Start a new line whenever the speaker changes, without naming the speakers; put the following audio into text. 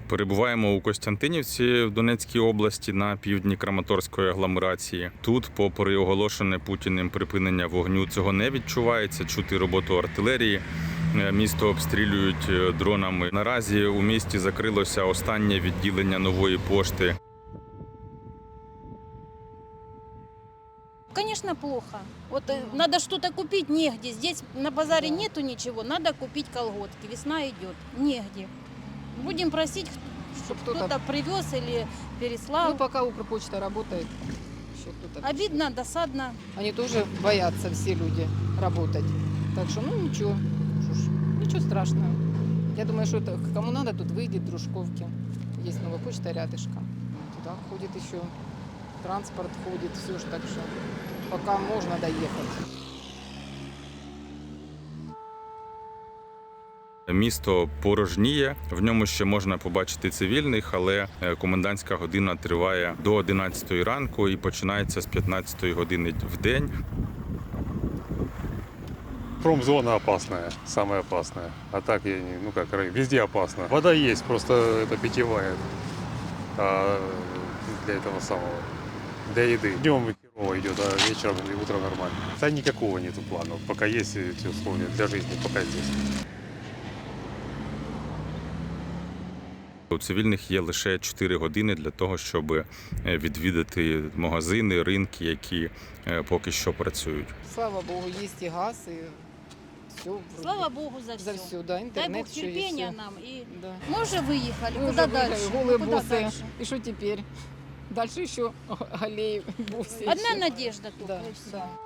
Перебуваємо у Костянтинівці в Донецькій області на півдні Краматорської агломерації. Тут, попри оголошене Путіним припинення вогню, цього не відчувається. Чути роботу артилерії. Місто обстрілюють дронами. Наразі у місті закрилося останнє відділення Нової пошти.
Конечно, плохо. Вот надо что-то купить, негде. Здесь на базаре нету ничего, надо купить колготки. Весна идет, негде. Будем просить, чтобы кто-то привез или переслал.
Ну, пока Укрпочта работает, еще кто-то.
Обидно, досадно.
Они тоже боятся, все люди, работать. Так что, ну, ничего, ничего страшного. Я думаю, что это, кому надо, тут выйдет Дружковки. Есть Новая почта рядышком. Туда ходит еще транспорт, ходит, все ж так что пока можно доехать.
Місто порожніє, в ньому ще можна побачити цивільних, але комендантська година триває до 11 ранку і починається з 15 години в день.
Промзона опасная, самая опасная. А так, везде опасно. Вода есть, просто это питьевая. А для этого самого, для еды. Днем херово идет, а вечером и утром нормально. Да никакого нету плана, пока есть эти условия для жизни, пока здесь.
У цивільних є лише 4 години для того, щоб відвідати магазини, ринки, які поки що працюють.
Слава Богу, есть и газ, и все.
Слава Богу за все.
За все, да,
Дай
интернет
Бог
еще
терпения
есть.
нам. И
Да.
мы уже выехали.
Мы
Куда
уже
дальше?
выехали, голые
Куда
боссы.
дальше?
И что теперь? Дальше еще аллеи, бусы.
Одна
еще.
надежда только,
Да,
и все.
да.